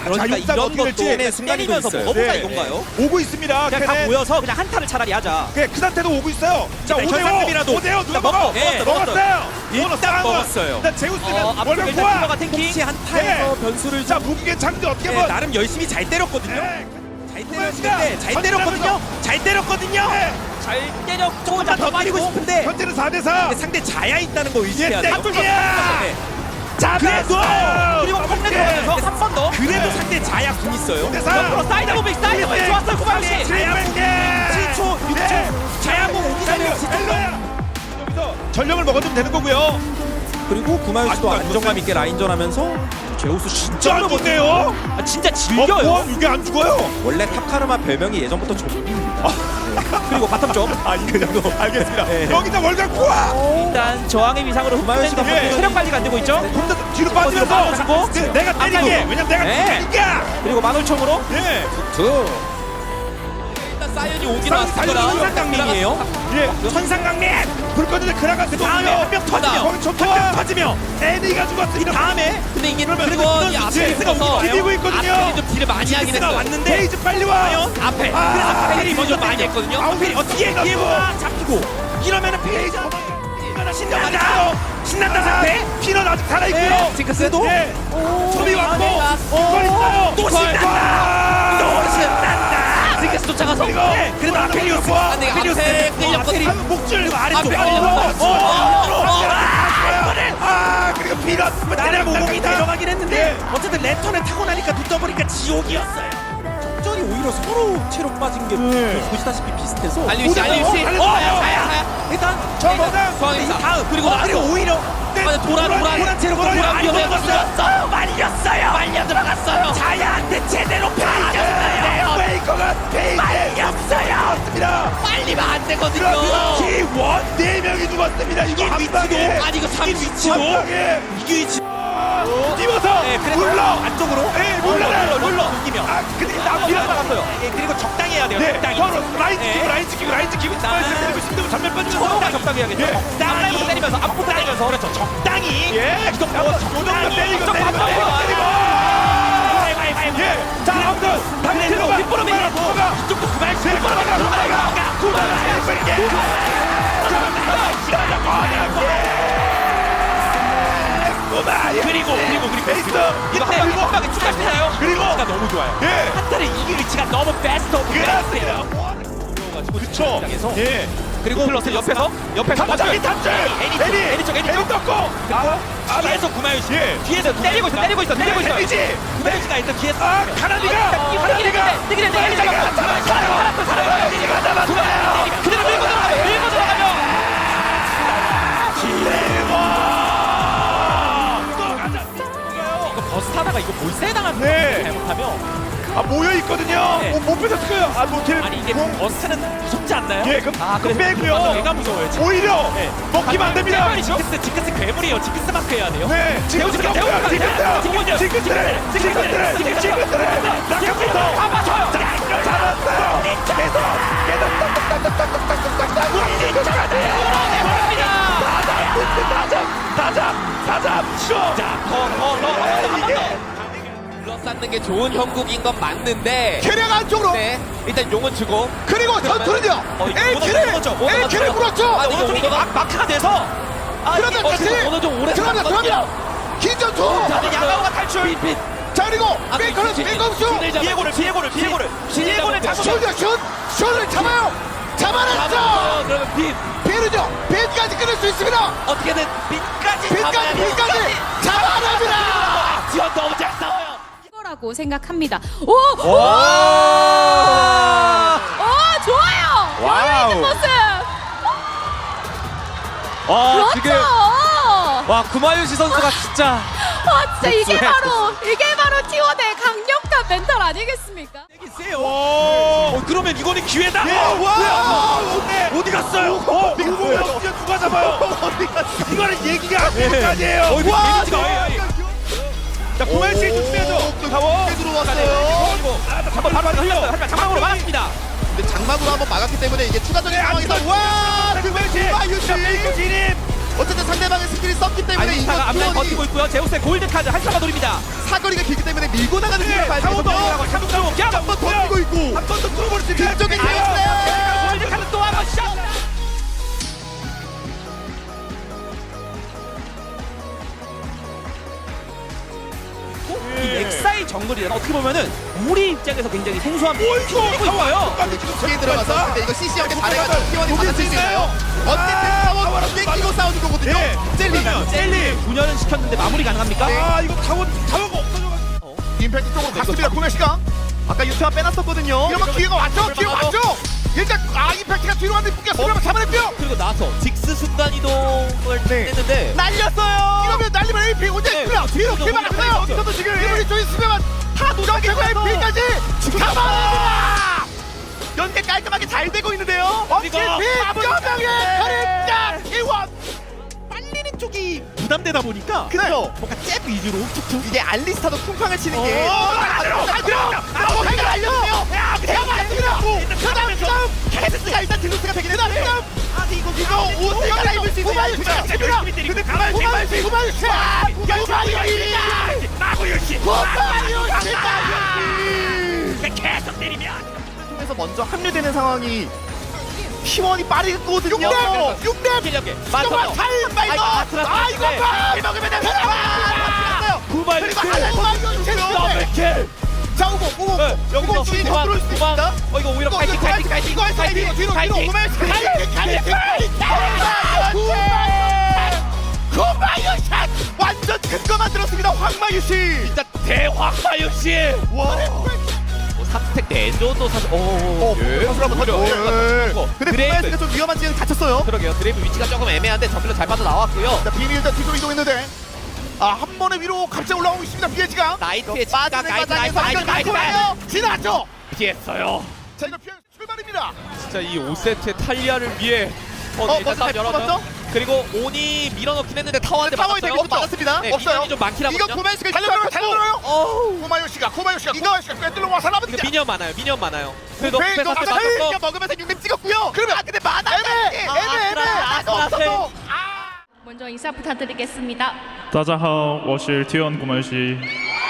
그러니까 자육사가 이런 어떻게 것도 될지 순간이 때리면서 있어요. 먹어보자 네. 이건가요? 오고 있습니다. 그냥 다 걔네. 모여서 그냥 한타를 차라리 하자. 그 상태도 오고 있어요. 자, 일단 5대5 전상금이라도 5대5 누가 일단 먹어? 먹고, 예, 먹었어요. 일단 먹었어요. 일단 제우스면 앞쪽에 월급 일단 구하. 킬러가 탱킹. 혹시 한타에서 네. 변수를 자, 무기계 장도 어떻게 네, 뭐 나름 열심히 잘 때렸거든요. 네. 잘 때렸는데 잘 때렸거든요. 잘 때렸거든요. 네. 잘 때렸고 조금만 더 때리고 싶은데 현재는 4대4. 상대 자야 있다는 거 의식해야 돼요. 야! 네. 잡았어. 그리고 컴퓨터 들어가면서 한 번 더. 그래도 네. 상대 자야 궁 있어요. 옆으로 사이드 무빙 좋았어요 구마유씨. 7초, 6초 자야궁 오기 전에 여기서 전력을 먹어주면 되는 거고요. 그리고 구마유씨도 아직도 안 안정감 있게 라인전하면서 제우스 진짜 진짜 안 좋네요. 진짜 즐겨요. 이게 안 죽어요? 원래 탑카르마 별명이 예전부터 좀비입니다. 그리고 바텀 쪽. 그리고 알겠습니다. 네. 여기다 월간 구하. 일단 저항의 위상으로 구마유씨가 흡수된 예. 체력 관리가 안 되고 있죠. 혼자 뒤로 빠지면서 주고 내가 때리게. 왜냐면 내가 네. 때리니까. 그리고 만월총으로 예. 일단 사이언이 오긴 천상강림이에요. 예. 천상강림. 불 꺼지는 그라가스 다음에 한명 터지며 거기 한명 터지며 애니가 죽었어. 이 다음에 근데 이게 그러면 그리고 이 아펠리스가 앞에서 비비고 있거든요. 아펠이 좀 딜을 많이 하긴 지스가 했어요. 왔는데 페이지 빨리 와. 앞에 아, 그래서 아펠이 먼저 페이지 많이 했거든요. 아웃필 어떻게 해? 기회가 잡히고 이러면은 페이지 신난다. 신난다 상태. 피넌 아직 살아있고요. 네, 징크스도 예. 소리 왔고 어, 이걸 있어요. 또 신난다. 또 신난다. 징크스 쫓아가서 그리고 그래도 아펠리우스 근데 앞에 끌렸거든요. 목줄 아래쪽 그리고 피넛 나를 모공이 다 내려가긴 했는데 어쨌든 랜턴을 타고 나니까 눈 떠보니까 지옥이었어요. 적절히 오히려 서로 체력 빠진 게 보시다시피 비슷해서 알리우씨 일단 저 뭐다 다음 그리고 그리고 오히려 도란 체력 말렸어요 말려 들어갔어요 자야한테 제대로 패이졌어요. 페이커가 말렸어요. 빨리면 안 되거든요 키원 4명이 죽었습니다. 이거 한 방에 아니 이거 3위치도 한 방에 이게 위치 뛰어서 네, 그래서 물러 안쪽으로 네, 물러요. 물러 이기며 아 근데 나비가 나갔어요 그리고 적당히 해야 돼요 네, 적당히 서로 라인 네. 찍히고 라인 찍히고 때리고 있으면 전면 빠지면서 적당히 적당히 해야겠죠 예. 앞라인부터 때리면서 앞부터 때리면서 그렇죠 적당히 예, 요정도 때리고 예, 자 아무튼 당신으로 뒷부러미가 이쪽도 그만 그리고 베이스 이거 한 방에 축하시나요? 그리고 위치가 너무 좋아요 예, 한타를 이길 위치가 너무 베스트 오브 베스트예요 그렇죠. 예, 그리고 플러스 옆에서 갑자기 탑줄 애니 쪽 떴고 뒤에서 구마유씨 예. 뒤에서 때리고 있어 데미지 구마유씨가 일단 뒤에서 아 카나디가 뜨기는 그대로 밀고 들어가면 이거 버스 타다가 이거 몰세 당한 네. 잘못하면 아 모여 있거든요. 네. 못 뺏었어요. 아 노틸. 아니 이게 버스는 무섭지 않나요? 예, 그럼 그래서 빼고요. 얘가 무서워요 지금 오히려 네. 먹기만 안 됩니다. 징크스 괴물이에요. 징크스 마크 해야 돼요. 네, 지금 둘러싸는 게 좋은 형국인 건 맞는데 캐리어가 안쪽으로 네, 일단 용은 주고 그리고 전투는요 LK를 물었죠. 오른쪽이 마크가 돼서 그러면 다시 들어갑니다. 긴 전투. 야가오가 탈출. 자 그리고 메이커는 메이커수 비에고를 잡고 슛을 잡아요. 잡아냈죠. 그러면 빈 비르죠. 빈까지 끊을 수 있습니다. 어떻게든 빈까지 빈까지 잡아냅니다. 지원 너무 잘 싸워요. 이거라고 생각합니다. 오! 좋아요! 여유 있는 모습! 그렇죠! 와 구마유시 선수가 진짜 진짜 이게 바로 T1의 강력한 멘탈 아니겠습니까? 그러면 이거는 기회다. 어디 갔어요? 이거 누가 잡아요? 이거는 얘기가 안 되는 거 아니에요? 자, 구마유씨 조심해야죠. 가워. 들어왔어요. 한번 바로 흘렸어요. 장막으로 막았습니다. 근데 장막으로 한번 막았기 때문에 이게 추가적인 상황에서 구마유씨. 페이커 진입. 어쨌든 상대방의 스킬이 썼기 때문에 알리스타가 이거 앞라인 투원이 버티고 있고요. 제우스의 골드 카드 한타가 노립니다. 사거리가 길기 때문에 밀고 나가는 네, 길을 봐야 타워도 되거든요. 한번 던지고 있고 한번 더 뚫어버릴 수 있게 뒤쪽에 제우스 골드 카드 또 한번 샷. 이 엑사이 정글이란 어떻게 보면은 우리 입장에서 굉장히 생소한 이거 있어요. 뒤에 들어가서 근데 이거 CC 형의 잘해가지고 T1이 받아칠 수 있어요. 어쨌든 타워 땡기고 싸우는 거거든요. 젤리 젤리 분열은 시켰는데 마무리 가능합니까? 아 이거 타워가 없어져가지고 임팩트 쪽으로 갔습니다. 구매 시간. 아까 유튜브 빼놨었거든요. 이러면 기회가 왔죠. 기회 왔죠. 일단 임팩트가 뒤로 왔는데 묶였으면 잡아냈고요. 그리고 나서 직스 순간 이동을 했는데 날렸어요. 이러면 날리면 AP 혼자 네, 있고요. 뒤로 그렇죠. 길 막았어요. 그렇죠. 여기서도 지금 이분이 좀 있으면 다 노정되고 AP까지 잡아냅니다. 연계 깔끔하게 잘 되고 있는데요. 그리고 뼈병의 가르짝 이원. 빨리는 쪽이 부담되다 보니까 그래요. 뭔가 잽 위주로 툭툭 이게 알리스타도 쿵쾅을 치는 게 알려요. 그다음 캐스가 일단 딜루스가 되긴 했는데 이거 오스가 라이브 수 있는 근데 가만히 계속 때리면 통해서 먼저 합류되는 상황이 T1이 빠르거든요. 6렙 기력에 맞아. 맞아요. 아 이거 봐. 먹으면 돼. 구발 그리고 하나 자 우고 여기서 주인 구방 들어올 수 구방 있다. 이거 오히려 파이팅 뒤로 오면 고마유샷 완전 큰거 만들었습니다. 황마유씨 진짜 대황마유 씨. 와 3스택 내줘도 사실 선수를 한번 던져. 근데 드레이브. 고마유씨가 좀 위험한 지역에 갇혔어요. 그러게요. 드레이브 위치가 조금 애매한데 정글로 잘 빠져 나왔고요. 자 비밀 일단 뒤로 이동했는데 한 번에 위로 갑자기 올라오고 있습니다. BH가 나이트의 빠지는 과정에서 지나갔죠. 피했어요. 자 이거 피해 출발입니다. 진짜 이 5세트의 탈리아를 위해 먼저 일단 싸움 열어줘요. 뽑았죠? 그리고 온이 밀어넣긴 했는데 타워한테 타워에 맞았어요. 대고 맞았습니다. 네, 없어요. 미니언이 좀 많긴 하거든요. 이거 고마유씨가 달려들어요. 어우. 고마유씨가 꿰뚫러 와서 이거 나머지 미니언 많아요. 그래도 페이도 패스한테 아까 맞았어. 먹으면서 6렙 찍었고요. 그러면 근데 많아 애매. 없어서 먼저 인사 부탁드리겠습니다. 大家好，我是 T1 古门西。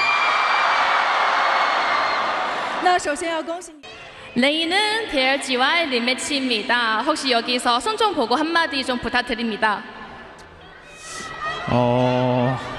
那首先要恭喜你。 레이는 대열지와의 리매치입니다. 혹시 여기서 손 좀 보고 한마디 좀 부탁드립니다.